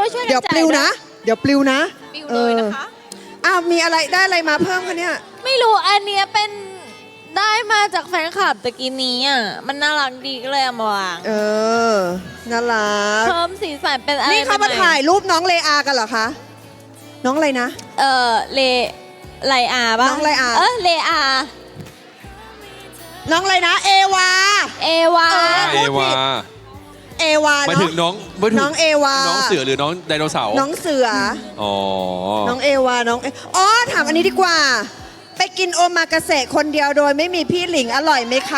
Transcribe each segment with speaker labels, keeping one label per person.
Speaker 1: ช่วยกัน
Speaker 2: เดี๋ยวปลิวนะ เดี๋ยวปลิวนะ
Speaker 1: ปลิวเลยนะคะ
Speaker 2: อ้าวมีอะไรได้อะไรมาเพิ่มคะเนี่ย
Speaker 1: ไม่รู้อันเนี้ยเป็นได้มาจากแฟนคลับตะกี้นี้อ่ะมันน่ารักดีก็เลยเอามาวาง
Speaker 2: น่ารัก
Speaker 1: เพิ่มสีสันเป็นอะไร
Speaker 2: นี่เขามาถ่ายรูปน้องเลอากันเหรอคะ น้องอะไรนะ
Speaker 1: ไลอาป่ะ
Speaker 2: น้องไลอา
Speaker 1: เลอา
Speaker 2: น้องอะไรนะ เอวา
Speaker 1: เอวา
Speaker 3: เอวา
Speaker 2: เอวา
Speaker 3: หมาย
Speaker 2: เนาะ
Speaker 3: ถึงน้องไม่ถึง
Speaker 2: น้องเอวา
Speaker 3: น้องเสือหรือน้องไดโนเสาร์
Speaker 2: น้องเสือ
Speaker 3: อ๋อ
Speaker 2: น้องเอวา อ๋อ ถามอันนี้ดีกว่า ไปกินโอมากาเสะคนเดียวโดยไม่มีพี่หลิงอร่อยไหมคะ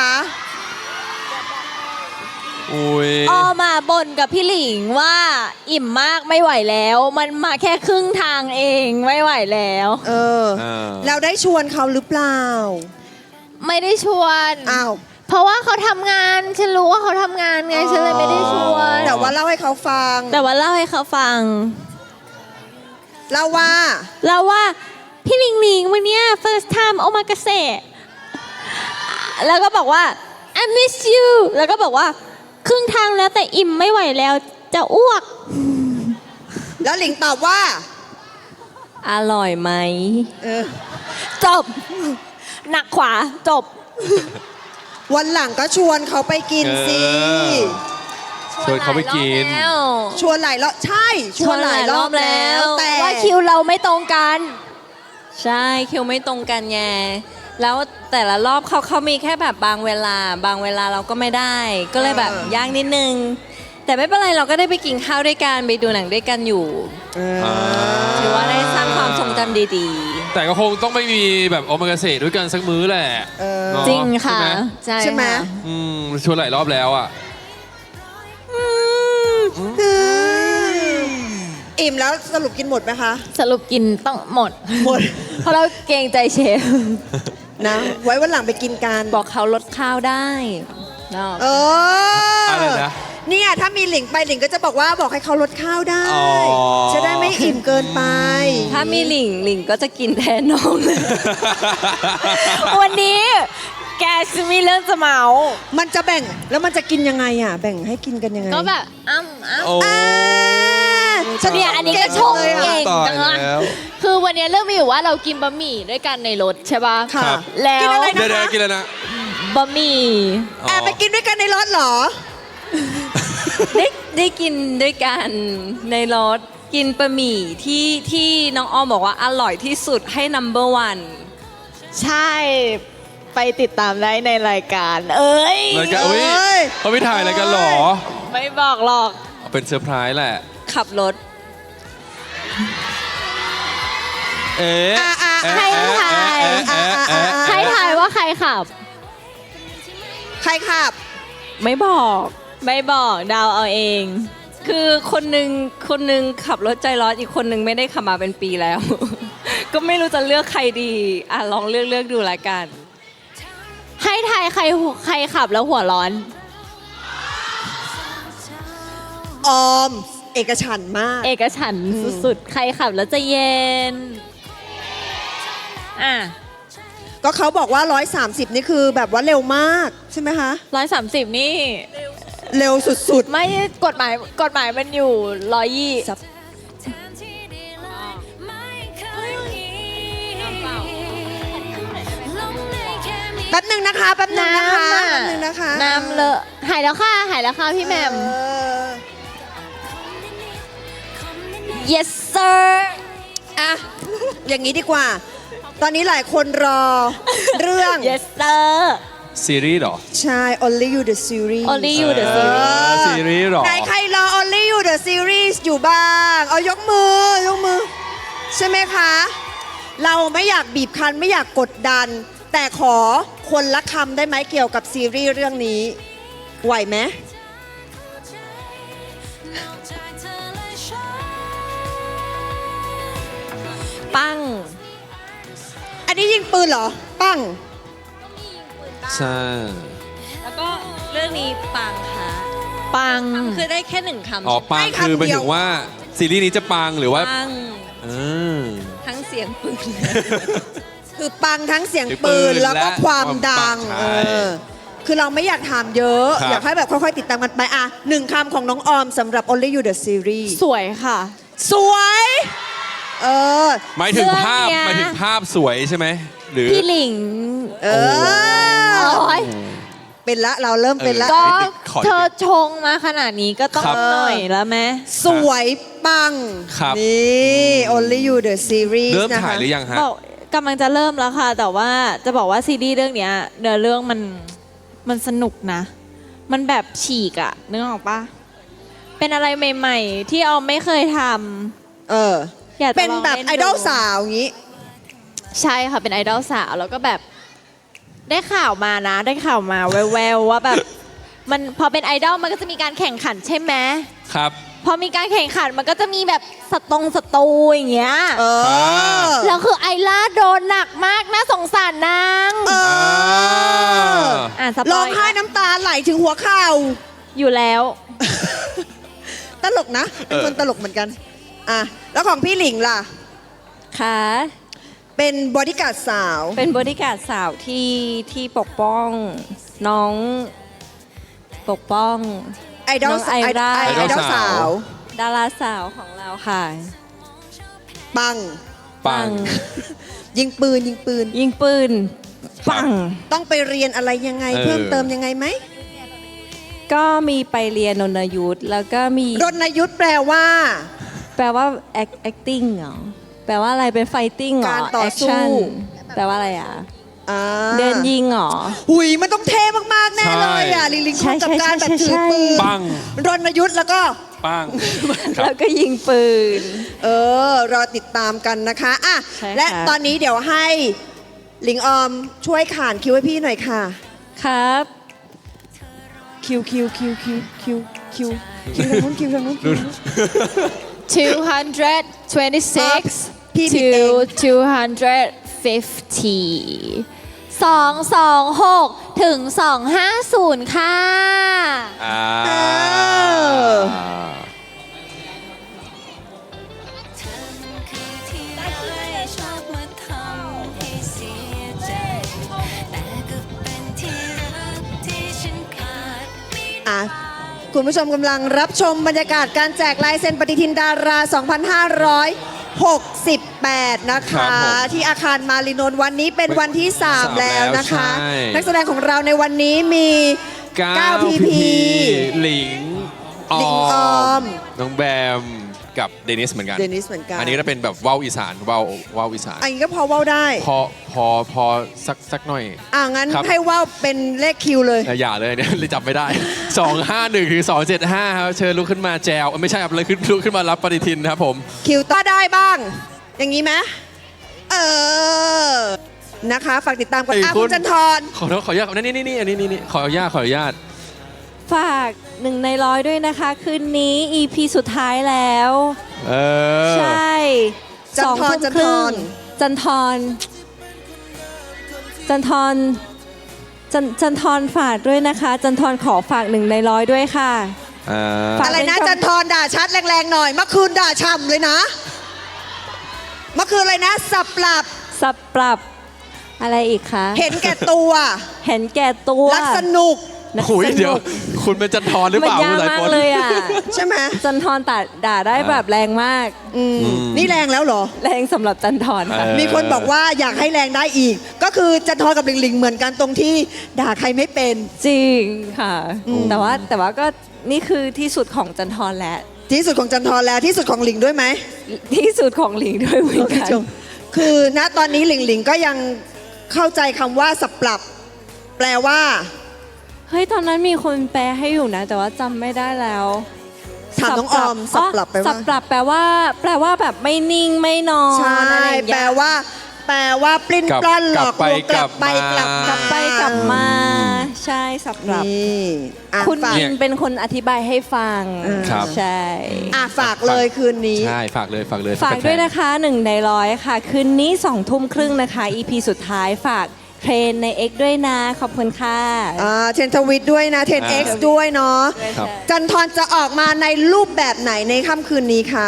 Speaker 3: อุ้ย
Speaker 1: ออมาบ่นกับพี่หลิงว่าอิ่มมากไม่ไหวแล้ว มันมาแค่ครึ่งทางเองไม่ไหวแล้ว
Speaker 2: เราได้ชวนเขาหรือเปล่า
Speaker 1: ไม่ได้ชวน
Speaker 2: อ้าว
Speaker 1: เพราะว่าเขาทำงานฉันรู้ว่าเขาทำงานไงฉันเลยไม่ได้ชวน
Speaker 2: แต่ว่าเล่าให้เขาฟัง
Speaker 1: แต่ว่าเล่าให้เขาฟัง
Speaker 2: เล่าว่า
Speaker 1: เราว่าพี่หลิงหลิงวันเนี้ย first time โอมากาเสะแล้วก็บอกว่า I miss you แล้วก็บอกว่าครึ่งทางแล้วแต่อิ่มไม่ไหวแล้วจะอ้วก
Speaker 2: แล้วหลิงตอบว่า
Speaker 1: อร่อยไหม
Speaker 2: เออ
Speaker 1: จบ หนักขวาจบ
Speaker 2: วันหลังก็ชวนเขาไปกินสิ
Speaker 3: ชวนเขาไปกิน
Speaker 2: ชวนหลายรอบใช่ ชวนหลายรอบแล้ว แต่
Speaker 1: ว่าคิวเราไม่ตรงกัน
Speaker 4: ใช่คิวไม่ตรงกันไงแล้วแต่ละรอบเขามีแค่แบบบางเวลาเราก็ไม่ได้ ก็เลยแบบยากนิดนึง แต่ไม่เป็นไรเราก็ได้ไปกินข้าวด้วยกันไปดูหนังด้วยกันอยู่ ถือว่าได้สร้างความทรงจำดี
Speaker 3: แต่ก็คงต้องไม่มีแบบโอมากาเสะด้วยกันสักมื้อแหละเนอะ
Speaker 1: จริงค่ะ
Speaker 2: ใช่ไหม
Speaker 1: ค่ะ
Speaker 3: อืมชวนหลายรอบแล้วอ่ะ
Speaker 2: อิ่มแล้วสรุปกินหมดไหมคะ
Speaker 1: สรุปกินต้องหมด
Speaker 2: หมด
Speaker 1: เพราะเราเกรงใจเชฟ
Speaker 2: นะ ไว้วันหลังไปกินกัน
Speaker 4: ๆ บอกเขาลดข้าวได้เนาะ
Speaker 3: อะไรนะ
Speaker 2: เนี่ยถ้ามีหลิงไปหลิงก็จะบอกว่าบอกให้เขาลดข้าวได้
Speaker 3: อ๋อ
Speaker 2: จะได้ไม่อิ่มเกินไป
Speaker 4: ถ้ามีหลิงก็จะกินแทนน้องเลย
Speaker 1: วันนี้แกจะมีเรื่องจะเมา
Speaker 2: มันจะแบ่งแล้วมันจะกินยังไงอ่ะ แบ่งให้กินกันยังไง
Speaker 1: ก็แบบอ้ำ
Speaker 3: โอ้
Speaker 2: ฉัน
Speaker 1: เนี่ยอันนี้ก็ชงเก่ง
Speaker 3: ตาย
Speaker 1: จังเลย
Speaker 3: แล้ว
Speaker 1: คือวันนี้เรื่องมีอยู่ว่าเรากินบะหมี่ด้วยกันในรถใช่ป่ะ
Speaker 2: ค่ะ
Speaker 3: ครับ
Speaker 1: แล้ว
Speaker 2: กินอะไร
Speaker 3: เดี๋ยวๆกินแล้วนะ
Speaker 1: บะหมี่
Speaker 3: อ๋อ
Speaker 2: แอบไปกินด้วยกันในรถเหรอ
Speaker 4: ได้กินด้วยกันในรถกินบะหมี่ที่น้องอ้อมบอกว่าอร่อยที่สุดให้ number one
Speaker 1: ใช่ไปติดตามได้ในรายการ เอ้ย
Speaker 3: รายการอุ้ย
Speaker 2: เอ้ย
Speaker 3: เขาไม่ถ่ายอะไรกันหรอ
Speaker 1: ไม่บอกหรอก
Speaker 3: เป็นเซอร์ไพรส์แหละ
Speaker 4: ขับรถ
Speaker 3: เอ๊ะ
Speaker 1: ให้ถ่ายให้ถ่ายว่าใครขับ
Speaker 2: ใครขับ
Speaker 1: ไม่บอกเดาวเอาเอง
Speaker 4: คือคนหนึ่งขับรถใจร้อนอีกคนหนึ่งไม่ได้ขับมาเป็นปีแล้ว ก็ไม่รู้จะเลือกใครดีลองเลือกดูละกัน
Speaker 1: ให้ทายใครขับแล้วหัวร้อน
Speaker 2: ออม เอกฉันท์มาก
Speaker 1: เอกฉันท์สุดๆ ใครขับแล้วจะเย็น อ่ะ
Speaker 2: ก็เขาบอกว่า 130 นี่คือแบบว่าเร็วมากใช่ไหมคะ
Speaker 1: 130 นี่
Speaker 2: เร็วสุด
Speaker 1: ไม่กฎหมายมันอยู่120
Speaker 2: ๆ แป๊บหนึ่งนะคะ แป๊บหนึ่งนะคะ แป๊บหนึ่งนะคะ
Speaker 1: น้ำเลอะหายแล้วค่ะพี่แหม่ม yes sir
Speaker 2: อ่ะ อย่างนี้ดีกว่า ตอนนี้หลายคนรอ เรื่อง
Speaker 1: yes sir
Speaker 3: ซีรีส์เหรอ
Speaker 2: ใช่ Only You the Series
Speaker 1: Only You the Series
Speaker 3: ซีรีส์เหรอ
Speaker 2: ไหนใครรอ Only You the Series อยู่บ้าง เอายกมือ ใช่ไหมคะ เราไม่อยากบีบคั้นไม่อยากกดดัน แต่ขอคนละคำได้ไหมเกี่ยวกับซีรีส์เรื่องนี้ ไหวไหม
Speaker 4: ปั้ง
Speaker 2: อันนี้ยิงปืนเหรอ ปั้ง
Speaker 3: ใช่
Speaker 4: แล้วก็เรื่องนี้ปังค่ะ
Speaker 1: ปัง
Speaker 4: คือได้แค่หนึ่งคำ
Speaker 3: อ๋อปัง
Speaker 2: ให้คำ
Speaker 3: คือหมาย
Speaker 2: เดียว
Speaker 3: ถึงว่าซีรีส์นี้จะปังหรือว่า
Speaker 4: ปัง
Speaker 3: อืม
Speaker 4: ทั้งเสียงปืน
Speaker 2: คือปังทั้งเสียงปืนแล้วก็ความดัง
Speaker 3: ใช่
Speaker 2: คือเราไม่อยากถามเยอะ
Speaker 3: ครับ
Speaker 2: อยากให้แบบค่อยๆติดตามกันไปอ่ะหนึ่งคำของน้องออมสำหรับ Only You The Series
Speaker 1: สวยค่ะ
Speaker 2: สวย เออ
Speaker 3: หมายถึงภาพ
Speaker 1: เรื่องเนี้ย
Speaker 3: หมายถึงภาพสวยใช่ไหมหรือ
Speaker 1: พี่หลิง
Speaker 2: เออ
Speaker 1: โอ๊ย
Speaker 2: เป็นละเราเริ่มเป็นละ
Speaker 1: ก็
Speaker 3: ขอนิดนึง
Speaker 1: เธอชงมาขนาดนี้ก็ต้อง
Speaker 3: ครับ
Speaker 1: หน่อยแล้วไหม
Speaker 2: สวยปัง
Speaker 3: ครับ
Speaker 2: นี่ Only You The Series
Speaker 3: เริ่ม
Speaker 2: นะคะ
Speaker 3: ถ่ายหรือยังฮะ
Speaker 1: บอกกำลังจะเริ่มแล้วค่ะ แต่ว่าจะบอกว่าซีรีส์เรื่องเนี้ยเนื้อเรื่องมันสนุกนะ มันแบบฉีกอะนึกออกปะเป็นอะไรใหม่ ๆ ที่ออมไม่เคยท
Speaker 2: เออ
Speaker 1: ำอยากจะ
Speaker 2: เป็น
Speaker 1: ลอง
Speaker 2: แบบ
Speaker 1: ล่
Speaker 2: ไอดอลสาวอย่างนี้
Speaker 1: ใช่ค่ะเป็นไอดอลสาวแล้วก็แบบได้ข่าวมานะ ได้ข่าวมาแววๆว่าแบบมันพอเป็นไอดอลมันก็จะมีการแข่งขันใช่ไหม
Speaker 3: ครับ
Speaker 1: พอมีการแข่งขันมันก็จะมีแบบสตูอย่างเงี้ย
Speaker 2: เออ
Speaker 1: แล้วคือไอล่าโดนหนักมากน่าสงสารนาง
Speaker 2: เออ
Speaker 1: อ่านสป
Speaker 2: ร้อ
Speaker 1: อง ย
Speaker 2: ไห้น้ำตาไหลถึงหัวเข่า
Speaker 1: อยู่แล้ว
Speaker 2: ตลกนะ เป็นคนตลกเหมือนกัน อ่ะ แล้วของพี่หลิงล่ะ
Speaker 4: ค่ะ
Speaker 2: เป็นบอดี้การ์ดสาว
Speaker 4: เป็นบริการดสาวที่ปกป้องน้องปกป้อง
Speaker 2: ไอดอล
Speaker 4: น้องไอร่า
Speaker 2: ไอดอลสาว
Speaker 4: ดาราสาวของเราค่ะ
Speaker 2: ปัง
Speaker 3: ปัง
Speaker 2: ยิงปืนยิงปืน
Speaker 4: ยิงปืนปัง
Speaker 2: ต้องไปเรียนอะไรยังไง
Speaker 3: เออ
Speaker 2: เพิ่มเติมยังไงไหม
Speaker 4: ก็มีไปเรียนนนยุทธแล้วก็มี
Speaker 2: รณยุทธแปลว่า
Speaker 4: แปลว่า acting เหรอแปลว่าอะไรเป็น fighting เหรอ
Speaker 2: การต่อสู้
Speaker 4: action แปลว่าอะไรอ่ะ
Speaker 2: อ่า
Speaker 4: เดินยิงเหรอ
Speaker 2: หุยมันต้องเท่มากๆแน่เลยอ่ะ ลิงลิง
Speaker 4: ใช่
Speaker 2: คงกับการแบบ
Speaker 4: ใช่
Speaker 2: ถือ
Speaker 4: ใช่
Speaker 2: ปืน
Speaker 3: ปัง
Speaker 2: รณยุทธแล้วก็
Speaker 3: ปัง
Speaker 4: แล้วก็ยิงปืน
Speaker 2: รอติดตามกันนะคะอ่ะ
Speaker 4: ใช่ค่ะ
Speaker 2: และตอนนี้เดี๋ยวให้หลิงออมช่วยขานคิวให้พี่หน่อยค่ะ
Speaker 4: ครับ
Speaker 2: คิวคิวคิวคิวคิวคิวคิวทางนู้นคิวทางนู้นคิวทางนู้น
Speaker 1: 226
Speaker 2: พี่ผิดเอง
Speaker 1: to 250 226 ถึง 250 ค่ะ
Speaker 3: อ่า
Speaker 2: เออ
Speaker 5: ชอบมาทำให้เสียใจ แต่ก็เป็นที่รักที่ฉันขาดไม่ได้
Speaker 2: อ่ะคุณผู้ชมกำลังรับชมบรรยากาศการแจกลายเซ็นปฏิทินดารา 2568 นะ
Speaker 3: ครั
Speaker 2: คะ
Speaker 3: บผม
Speaker 2: ที่อาคารมารินนท์วันนี้เป็นวันที่ 3 แล้วนะคะ
Speaker 3: ใช่
Speaker 2: นักแสดงของเราในวันนี้มี 9 พีพี
Speaker 3: หลิงอ
Speaker 2: หลิงอ
Speaker 3: อ
Speaker 2: อ
Speaker 3: ม
Speaker 2: ม
Speaker 3: น้องแบมกับเดนิสเหมือนกัน
Speaker 2: เดนิสเหมือนกัน
Speaker 3: อันนี้ก็จะเป็นแบบว่าวอีสานว่าวอีสาน
Speaker 2: อันนี้ก็พอเว้าได้
Speaker 3: พอสักหน่อย
Speaker 2: งั้น
Speaker 3: ครับ
Speaker 2: ให้เว้าเป็นเลขคิวเลย
Speaker 3: อย่าเลยเนี่ย เลยจับไม่ได้ 251 ถึง 275 ครับ เชิญลุกขึ้นมาแจวไม่ใช่ครับเลยลุกขึ้นมารับปฏิทินครับผม
Speaker 2: คิวต่อได้บ้าง อย่างนี้ไหมนะคะ ฝากติดตามกัน
Speaker 3: เอ้ย
Speaker 2: คุ
Speaker 3: คุณ
Speaker 2: ณจันทร
Speaker 3: ขออนุญาตนี่อันนี้ขออนุญาต
Speaker 4: ฝาก1 ใน 100ด้วยนะคะ คืนนี้ EP สุดท้ายแล้ว
Speaker 3: เออ
Speaker 4: ใช่
Speaker 2: จันทร
Speaker 4: 2 ทุ่ม
Speaker 2: จัน
Speaker 4: ค
Speaker 2: ท
Speaker 4: รึ่ง
Speaker 2: ร
Speaker 4: จันทรจันทรฝากด้วยนะคะ จันทรขอฝาก1 ใน 100ด้วยค่ะ ฝาก
Speaker 2: อะไรนะ
Speaker 4: เป็น
Speaker 2: จันทรด่าชัดแรงๆหน่อยเมื่อคืนด่าช่ำเลยนะ เมื่อคืนอะไรนะ สับปรับ
Speaker 4: สับปรับอะไรอีกคะ
Speaker 2: เห็นแก่ตัว
Speaker 4: เห็นแก่ตัว
Speaker 2: รักสนุก
Speaker 4: นัก
Speaker 3: คุย
Speaker 4: สนุก
Speaker 3: เดี๋ยว คุณเป็นจันทรหรือ
Speaker 4: มั
Speaker 3: เป
Speaker 4: น
Speaker 3: ล่า
Speaker 4: ยาก
Speaker 3: คุณสาย
Speaker 4: มาก
Speaker 3: ฝน
Speaker 4: เลยอ่ะ
Speaker 2: ใช่ไหม
Speaker 4: จันทรด่าได้แบบแรงมาก
Speaker 2: นี่แรงแล้วเหรอ
Speaker 4: แรงสำหรับจันทรค่ะ
Speaker 3: เออ
Speaker 2: มีคนบอกว่าอยากให้แรงได้อีก ก็คือจันทรกับลิงลิงเหมือนกันตรงที่ด่าใครไม่เป็น
Speaker 4: จริงค่ะ แต่ว่าก็นี่คือที่สุดของจันทรแล้ว
Speaker 2: ที่สุดของจันทรแล้วที่สุดของลิงด้วยไหม
Speaker 4: ที่สุดของหลิงด้วยเหมือนกัน
Speaker 2: คือณตอนนี้หลิงหลิงก็ยังเข้าใจคำว่าสับปรับ แปลว่า
Speaker 4: เฮ้ยตอนนั้นมีคนแปลให้อยู่นะ แต่ว่าจำไม่ได้แล้ว
Speaker 2: ถามน้องออมสับปรับไป
Speaker 4: สั
Speaker 2: ว่า
Speaker 4: บปรับแปลว่าแบบไม่นิ่งไม่นอน
Speaker 2: ใช่
Speaker 4: อะไรอย่าง
Speaker 2: แปล
Speaker 4: เงี้ย
Speaker 2: ว่าปลิ้นปล้อนหลอกลวง
Speaker 3: กลับไป
Speaker 2: กลับ
Speaker 4: กลับไปกลับมา ใช่สับปรับ
Speaker 2: นี่อ่ะ
Speaker 4: คุณ
Speaker 2: ฝาก
Speaker 4: มินเป็นคนอธิบายให้ฟัง
Speaker 3: ครับ
Speaker 4: ใช่
Speaker 2: ฝากเลยคืนนี้
Speaker 3: ใช่ฝากเลย
Speaker 4: ฝากด้วยนะคะ1 ใน 100 ค่ะ คืนนี้2 ทุ่มครึ่งนะคะ EP สุดท้ายฝากเทรนใน X ด้วยนะ ขอบคุณค่ะ
Speaker 2: เทนทวิตด้วยนะเทน X ด้วยเนาะ
Speaker 3: ครับ
Speaker 2: จันทรจะออกมาในรูปแบบไหนในค่ำคืนนี้คะ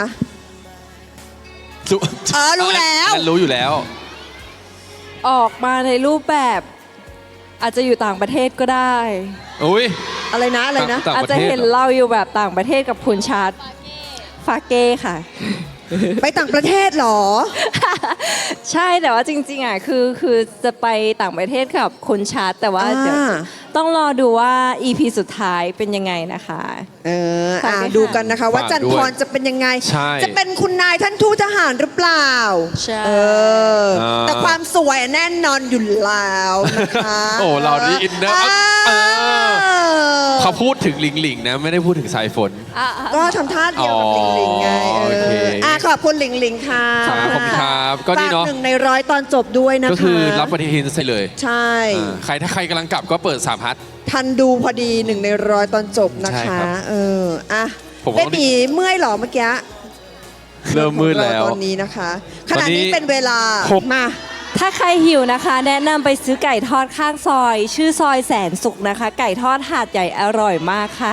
Speaker 2: รู้แล้ว
Speaker 3: รู้อยู่แล้ว
Speaker 4: ออกมาในรูปแบบอาจจะอยู่ต่างประเทศก็ได้
Speaker 3: อุ้ย
Speaker 2: อะไรนะอะไรนะ
Speaker 3: ต่าง
Speaker 4: อาจ
Speaker 3: ประ
Speaker 4: จะ
Speaker 3: เทศ
Speaker 4: เห็น
Speaker 3: เหรอ
Speaker 4: เราอยู่แบบต่างประเทศกับคุณชาร์ตฟาเก้ค่ะ
Speaker 2: ไปต่างประเทศเหรอ
Speaker 4: ใช่แต่ว่าจริงๆอ่ะคือจะไปต่างประเทศกับคุณชาร์ตแต่ว่าเดี๋ยว
Speaker 2: อ่า
Speaker 4: ต้องรอดูว่า EP สุดท้ายเป็นยังไงนะคะ ฝากด้วยค่ะ
Speaker 2: ดูกันนะคะ ว่า
Speaker 3: ฝาก
Speaker 2: จัน
Speaker 3: ด้วย
Speaker 2: พรจะเป็นยังไง
Speaker 3: ใช่
Speaker 2: จะเป็นคุณนายท่านทูตทหารหรือเปล่า
Speaker 4: ใช่
Speaker 2: เออ แต่ความสวยแน่นอนอยู่แล้วนะคะ
Speaker 3: โอ้เรานี่อินเนอร์
Speaker 2: เออ
Speaker 3: เขาพูดถึงหลิงหลิงนะ ไม่ได้พูดถึงสายฝน
Speaker 2: ก็ทำท่าเดียวกับหลิงหลิงไง
Speaker 3: อ๋อโอเค
Speaker 2: ขอบคุณหลิงหลิงค่ะ
Speaker 3: ครับขอบคุณครับก็นี่เนาะ
Speaker 2: ฝาก1 ใน 100ตอนจบด้วยนะคะ
Speaker 3: ก็คือรับปฏิทินใส่เลย
Speaker 2: ใช่
Speaker 3: ถ้าใครกำลังกลับก็เปิด3พัท
Speaker 2: ทันดูพอดี1 ใน 100ตอนจบนะ
Speaker 3: ใช่
Speaker 2: คะ
Speaker 3: ครับ
Speaker 2: อ่ะ
Speaker 3: ผมว่า
Speaker 2: เป็นหมีเมื่อยเหรอเมื่อกี้
Speaker 3: เริ่มมืดแล้ว
Speaker 2: ตอนนี้นะคะข
Speaker 3: ตอน
Speaker 2: ณะ
Speaker 3: นี้
Speaker 2: นี้เป็นเวลา
Speaker 3: หก
Speaker 2: มา
Speaker 4: ถ้าใครหิวนะคะ แนะนำไปซื้อไก่ทอดข้างซอย ชื่อซอยแสนสุขนะคะ ไก่ทอดหาดใหญ่อร่อยมากค่ะ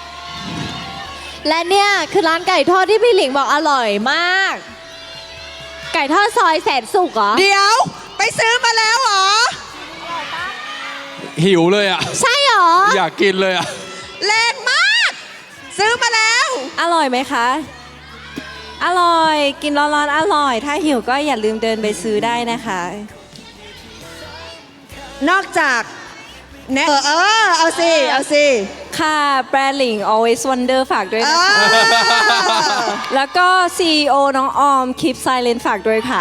Speaker 1: และเนี่ยคือร้านไก่ทอดที่พี่หลิงบอกอร่อยมาก ไก่ทอดซอยแสนสุขเหรอ
Speaker 2: เดี๋ยวไปซื้อมาแล้วเหรอ
Speaker 3: หิวเลยอ่ะ
Speaker 1: ใช่เหรอ
Speaker 3: อยากกินเลยอ่ะ
Speaker 2: แรงมาก ซื้อมาแล้ว
Speaker 4: อร่อยไหมคะ อร่อย กินร้อนๆอร่อย ถ้าหิวก็อย่าลืมเดินไปซื้อได้นะคะ
Speaker 2: นอกจากเอาสิ เอาสิ
Speaker 4: ค่ะแบรนด์หลิง always wonder ฝากด้วย
Speaker 2: เอ
Speaker 4: นะคะ
Speaker 2: อ
Speaker 4: แล้วก็ CEO น้องออม keep silent ฝากด้วยค่ะ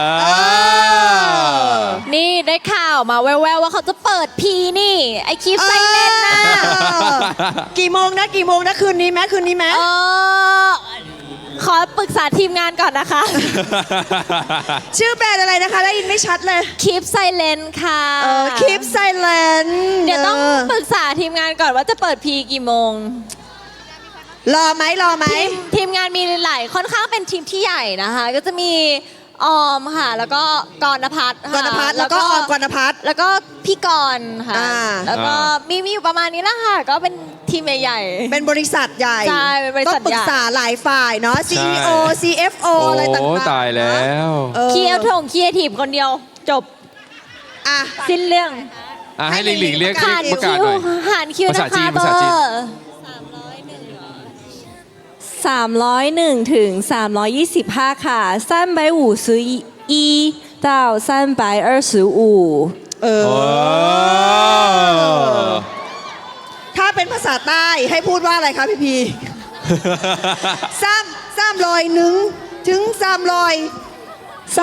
Speaker 1: นี่ได้ข่าวมาแววๆว่าเขาจะเปิดพีนี่ ไอคลิปไซเลนนะ
Speaker 2: กี่โมงนะคืนนี้ไหม
Speaker 1: เออขอปรึกษาทีมงานก่อนนะคะ
Speaker 2: ชื่อแบรนด์อะไรนะคะ ได้ยินไม่ชัดเลย
Speaker 1: คลิปไซเลนค่ะ
Speaker 2: Keep Silent
Speaker 1: เดี๋ยวต้องปรึกษาทีมงานก่อนว่าจะเปิดพีกี่โมง
Speaker 2: รอไหม
Speaker 1: ทีมงานมีหลายค่อนข้างเป็นทีมที่ใหญ่นะคะ ก็จะมีออมค่ะ แล้วก็กรณพัฒน์ค่ะ
Speaker 2: กรณพัฒน์แล้วก็ออมกรณพัฒน์
Speaker 1: แล้วก็พี่กรณ์ค่ะ
Speaker 2: อ่า
Speaker 1: แล้วก็มีอยู่ประมาณนี้แหละค่ะ ก็เป็นทีมใหญ่ๆ
Speaker 2: เป็นบริษัทใหญ่
Speaker 1: ใช่เป็นบริษัท
Speaker 2: ต้องปรึกษาหลายฝ่ายเนาะ CEO
Speaker 3: ใช่
Speaker 2: CFO อะไรต่าง
Speaker 3: โอ้
Speaker 2: ๆ
Speaker 3: ตายแล้ว
Speaker 1: เคียร์ถงเคียร์ทีมคนเดียว จบ
Speaker 2: อ่ะ
Speaker 1: สิ้นเรื่อง
Speaker 3: ให้หลิงหลิงเรียก
Speaker 1: หาร
Speaker 3: ประกาศ
Speaker 1: คิว
Speaker 3: หน่อย
Speaker 1: หารคิว
Speaker 3: ภา
Speaker 1: นะ
Speaker 3: ษาจี
Speaker 1: คะ
Speaker 3: น
Speaker 1: เบ
Speaker 3: ภา
Speaker 1: อ
Speaker 3: ษาจีน
Speaker 1: ร์
Speaker 4: 301 ถึง 325 ค่ะ351到325
Speaker 2: เออ
Speaker 3: โอ้
Speaker 2: ถ้าเป็นภาษาใต้ให้พูดว่าอะไรคะพี่พี301 ถึง 300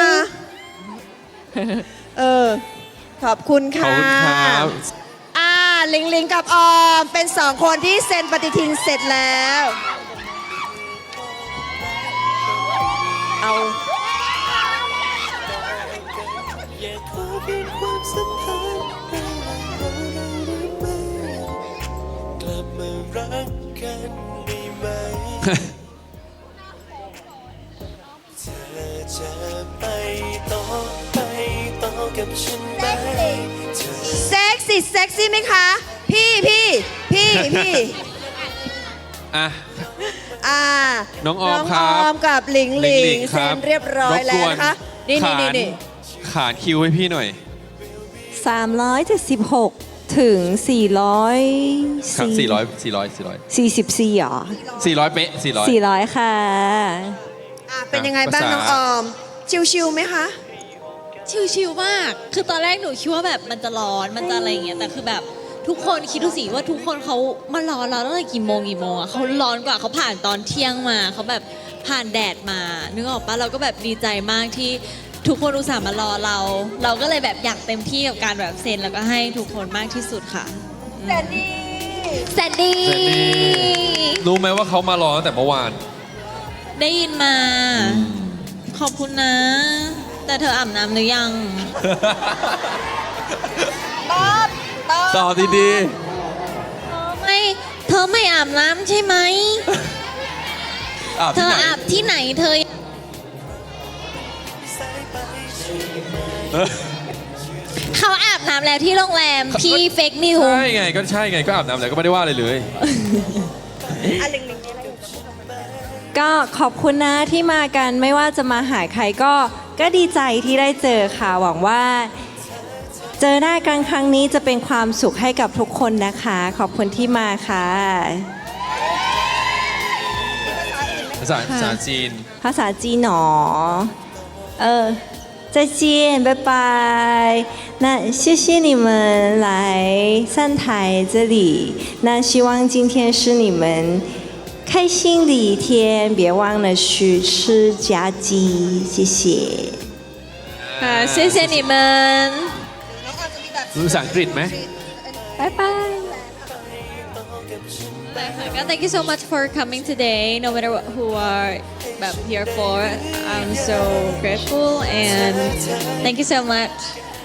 Speaker 2: เออ ขอบคุณ
Speaker 3: ขอบ
Speaker 2: ค่ะ
Speaker 3: คุณครับ
Speaker 2: ลิงกับออม เป็น 2 คนที่เซ็นปฏิทินเสร็จแล้ว เอา
Speaker 5: อยากขอเพียงความสัมพันธ์ระหว่างเราได้ไหมกลับมารักกันได้ไหม เธอจะไปต่อกับฉันไหมเธอ
Speaker 2: เซ็กซี่ไหมคะ พี่
Speaker 3: อ่ะ
Speaker 2: อ่า
Speaker 3: น้องออมครับ
Speaker 2: น้องออมกับหลิง
Speaker 3: หลิง
Speaker 2: เซ็นเรียบร้อยแล้วนะคะ นี่
Speaker 3: ขานคิวให้พี่หน่อย
Speaker 4: 376 ถึง
Speaker 3: ครับ
Speaker 4: 44เหรอ
Speaker 3: 400เป๊ะ400
Speaker 4: 400 ค่ะ
Speaker 2: เป็นยังไงบ้าง
Speaker 3: ภาษา
Speaker 2: น้องออม ชิวๆไหมคะ
Speaker 1: ชิวๆมาก คือตอนแรกหนูคิดว่าแบบมันจะร้อน มันจะอะไรอย่างเงี้ย แต่คือแบบทุกคนคิดดูสิว่าทุกคนเขามารอเราตั้งแต่กี่โมงอะเขาร้อนกว่าเขาผ่านตอนเที่ยงมาเขาแบบผ่านแดดมา นึกออกปะเราก็แบบดีใจมากที่ทุกคนอุตส่าห์มารอเรา เราก็เลยแบบอยากเต็มที่กับการแบบเซ็นแล้วก็ให้ทุกคนมากที่สุดค่ะแซนดี้แซนดี้
Speaker 3: รู้ไหมว่าเขามารอตั้งแต่เมื่อวาน
Speaker 1: ได้ยินมา ขอบคุณนะ แต่เธออาบน้ำหรือยัง
Speaker 3: ตอบดี
Speaker 1: เธอไม่อาบน้ำใช่ไหม
Speaker 3: ๆอาบ
Speaker 1: เธ
Speaker 3: ที่
Speaker 1: อ
Speaker 3: ไหน
Speaker 1: อาบที่ไหนเธอ เขาอาบน้ำแล้วที่โรงแรม พี่เฟกนิว
Speaker 3: ใช่ไงก็อาบน้ำแล้วก็ไม่ได้ว่าอะไรเลย
Speaker 4: ก็ขอบคุณนะที่มากันไม่ว่าจะมาหาใครก็ดีใจที่ได้เจอค่ะ หวังว่าเจอหน้ากันครั้งนี้จะเป็นความสุขให้กับทุกคนนะคะ ขอบคุณที่มาค่ะ
Speaker 3: ภาษาจีน
Speaker 4: ภาษาจีนหนอ再见，拜拜。那谢谢你们来上台这里。那希望今天是你们开心的一天，别忘了去吃炸鸡，谢谢。
Speaker 1: ค่ะ谢谢你们
Speaker 3: รู้ภาษาอังกฤษไหม
Speaker 1: 拜拜 Thank you so much for coming today no matter who are แบบ here for I'm so grateful and thank you so much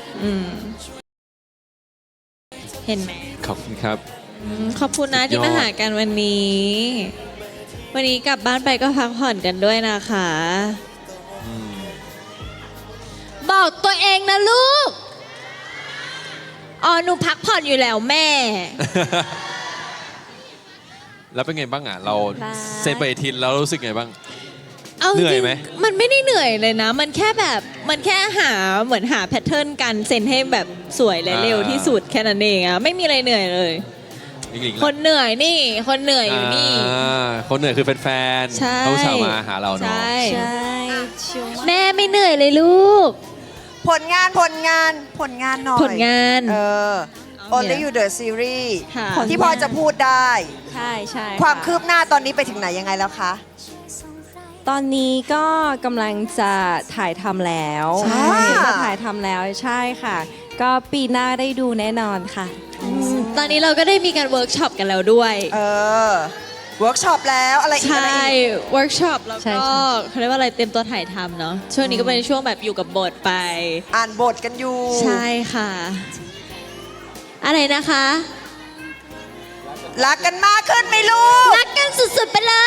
Speaker 1: เห็นไหม
Speaker 3: ขอบคุณครับ
Speaker 1: ขอบคุณนะ
Speaker 3: สุดยอด
Speaker 1: ที่มาหากันวันนี้ วันนี้กลับบ้านไปก็พักผ่อนกันด้วยนะคะ บอกตัวเองนะลูก อ๋อ หนูพักผ่อนอยู่แล้วแม่
Speaker 3: แล้วเป็นไงบ้างอ่ะ เรา
Speaker 4: บาย
Speaker 3: เซนไปอาทิตย์แล้วรู้สึกไงบ้าง
Speaker 1: เอาจ
Speaker 3: เหนื่อย
Speaker 1: ริง
Speaker 3: ไหม
Speaker 1: ๆมันไม่ได้เหนื่อยเลยนะ มันแค่แบบ มันแค่เหมือนหาแพทเทิร์นการเซ็นให้แบบสวยและเร็วที่สุดแค่นั้นเองอะไม่มีอะไรเหนื่อยเลย
Speaker 3: หลิง
Speaker 1: คนเหนื่อยนี่ คนเหนื่อยอยู่นี่
Speaker 3: คนเหนื่อยคือแฟน
Speaker 1: ใช่
Speaker 3: ๆเขาสามมาหาเราเนาะ
Speaker 1: ใช่
Speaker 4: ใช่ชิวมาก
Speaker 1: แม่ไม่เหนื่อยเลยลูก
Speaker 2: ผลงานหน่อย
Speaker 1: ผลงาน
Speaker 2: Only You The Series
Speaker 1: ค่ะ
Speaker 2: ที่พอจะพูดได้
Speaker 4: ใช่ใช่
Speaker 2: ความ
Speaker 4: ะ
Speaker 2: คืบหน้าตอนนี้ไปถึงไหนยังไงแล้วคะ
Speaker 4: ตอนนี้ก็กำลังจะถ่ายทำแล้ว
Speaker 2: ใช่
Speaker 4: ก็ถ่ายทำแล้วใช่ค่ะ ก็ปีหน้าได้ดูแน่นอนค่ะ
Speaker 1: ตอนนี้เราก็ได้มีการเวิร์กช็อปกันแล้วด้วย
Speaker 2: เวิร์กช็อปแล้วอะไรอีก
Speaker 1: ใช่
Speaker 2: อะไรอีก
Speaker 1: เวิร์กช็อปแล้ว
Speaker 4: ใช่
Speaker 1: ก็
Speaker 4: ใช่
Speaker 1: เขาเรียกว่าอะไรเต็มตัวถ่ายทำเนาะ ช่วงนี้ก็เป็นช่วงแบบอยู่กับบทไป
Speaker 2: อ่านบทกันอยู่
Speaker 1: ใช่ค่ะ อะไรนะคะ
Speaker 2: รักกันมากขึ้นไหมลูก
Speaker 1: รักกันสุดๆไปเลย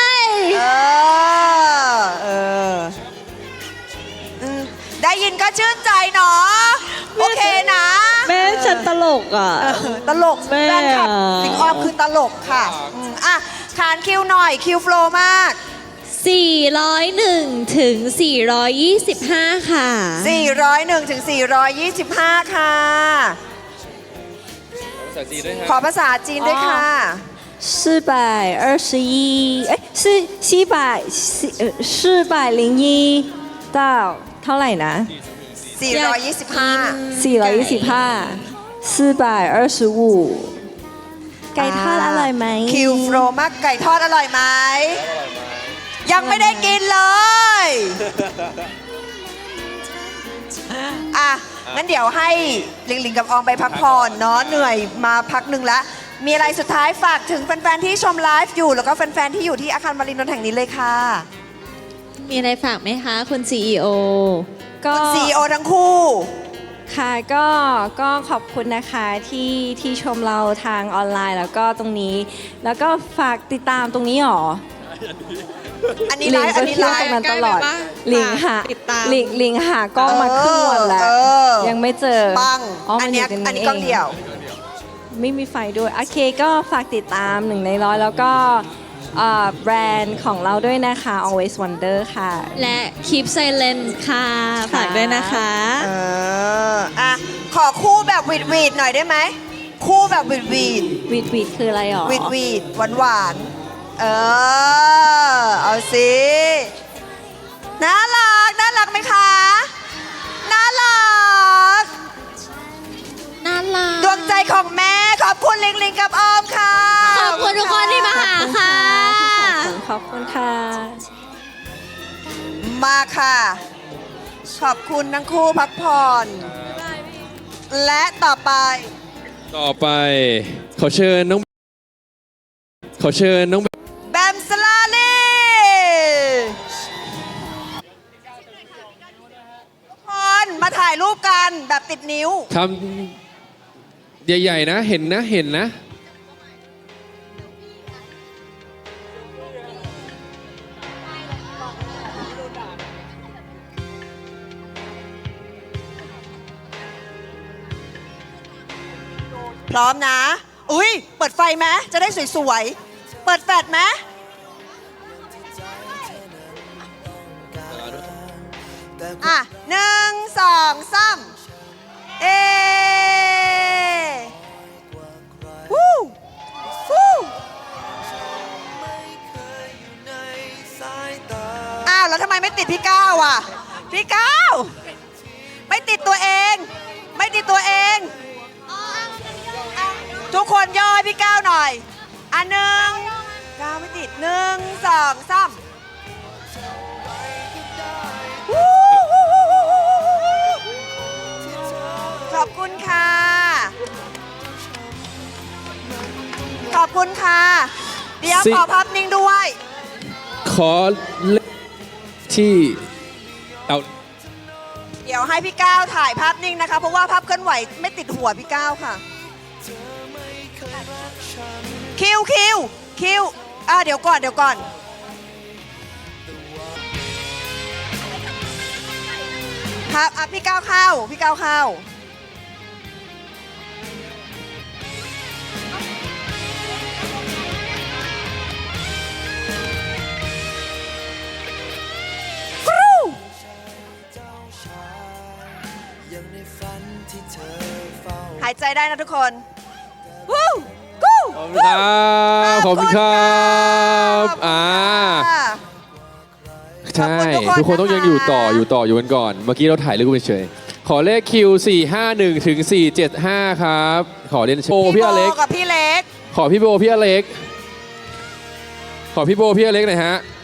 Speaker 2: ได้ยินก็ชื่นใจเนาะโอเคนะ
Speaker 1: แม่ฉันตลกอ่ะ
Speaker 2: ตลก
Speaker 1: แม่
Speaker 2: แฟนคลับสิงออมคือตลกค่ะอ่ะขานคิวหน่อยคิวโฟลว์มาก
Speaker 1: 401 ถึง 425 ค่ะ
Speaker 2: 401 ถึง 425 ค่ะ
Speaker 3: ภาษาจีนด้วยครับ
Speaker 2: ขอภาษาจีนด้วยค่ะ
Speaker 4: 421是401到เท่าไหร่นะ
Speaker 2: 425
Speaker 4: 425 425ไก่ทอดอร่อยไหม
Speaker 2: คิวโฟลว์มากไก่ทอดอร่อยไหม ยังไม่ได้กินเลย อ่ะ งั้นเดี๋ยวให้ลิงลิงกับออมไปพักผ่อนเนาะเหนื่อยมาพักหนึ่งละ มีอะไรสุดท้ายฝากถึงแฟนๆที่ชมไลฟ์อยู่ แล้วก็แฟนๆที่อยู่ที่อาคารมารินนท์แห่งนี้เลยค่ะ
Speaker 1: มีอะไรฝากไหมคะ คุณ CEO
Speaker 4: ก็
Speaker 2: CEO ทั้งคู่
Speaker 4: ค่ะก็ขอบคุณนะคะที่ชมเราทางออนไลน์แล้วก็ตรงนี้ แล้วก็ฝากติดตามตรงนี้หรอ
Speaker 2: อันนี้ไลฟ์อันนี้
Speaker 4: เที่
Speaker 2: ไล
Speaker 4: ยวตร
Speaker 2: ฟ์
Speaker 4: งนั้นตลอด
Speaker 1: ใกล้ไปปะ
Speaker 4: ลิงหา
Speaker 1: ติดตาม
Speaker 4: ลิงหากล้องมาครึ่งวันแล้ว ยังไม่เจอ
Speaker 2: ปัง
Speaker 4: มั
Speaker 2: อันเนี้ย
Speaker 4: ยู่ตรง
Speaker 2: อันนี้กล้องเดี่ยว
Speaker 4: ไม่มีไฟด้วย โอเคก็ฝากติดตาม1 ใน 100 แล้วก็แบรนด์ของเราด้วยนะคะ Always Wonder ค่ะ
Speaker 1: และ Keep Silent ค่ะ ฝากด้วยนะคะ
Speaker 2: อ่ะ ขอคู่แบบวีดวีดหน่อยได้ไหม คู่แบบวีดวีด
Speaker 4: วีดคืออะไรหรอ
Speaker 2: วีดวีดหวานหวานๆเอาสิ น่ารักไหมคะ น่ารัก
Speaker 1: น่ารัก
Speaker 2: ดวงใจของแม่ ขอบคุณลิงลิงกับออมค่ะ
Speaker 1: ขอบคุณทุกคนที่มาหาค่ะ
Speaker 4: ขอบคุณค่ะ
Speaker 2: มาค่ะ ขอบคุณทั้งคู่พักผ่อน และต่อไป
Speaker 3: ต่อไปขอเชิญน้อง
Speaker 2: แบมสลาลีทุกคนมาถ่ายรูปกันแบบติดนิ้ว
Speaker 3: คำใหญ่ๆนะ เห็นนะ
Speaker 2: พร้อมนะ อุ้ยเปิดไฟไหมจะได้สวยๆ เปิดแฟลชไหมอ่ะ1 2 3เอแล้วทำไมไม่ติดพี่ก้าวอ่ะ พี่ก้าวไม่ติดตัวเอง ไม่ติดตัวเอง ทุกคนย่อให้พี่ก้าวหน่อย อันหนึ่งก้าวไม่ติด1 2 3ขอบคุณค่ะ ขอบคุณค่ะ เดี๋ยวขอภาพนิ่งด้วย
Speaker 3: ขอเลขที่เอา
Speaker 2: เดี๋ยวให้พี่ก้าวถ่ายภาพนิ่งนะคะ เพราะว่าภาพเคลื่อนไหวไม่ติดหัวพี่ก้าวค่ะ คิวเดี๋ยวก่อนครับพี่ก้าวเข้า หายใจได้นะทุกคนวู้กู้
Speaker 3: ขอบคุณครับขอบคุณครับใช่ ทุกคนต้องยังอยู่กันก่อน เมื่อกี้เราถ่ายรูปเฉยๆขอเลขคิว451ถึง475 ครับ ขอเรียนเชิญโบพี่อเล็ก
Speaker 2: กับพี่เล็ก
Speaker 3: ขอพี่โบพี่อเล็ก ขอพี่โบพี่อเล็กหน่อยฮะ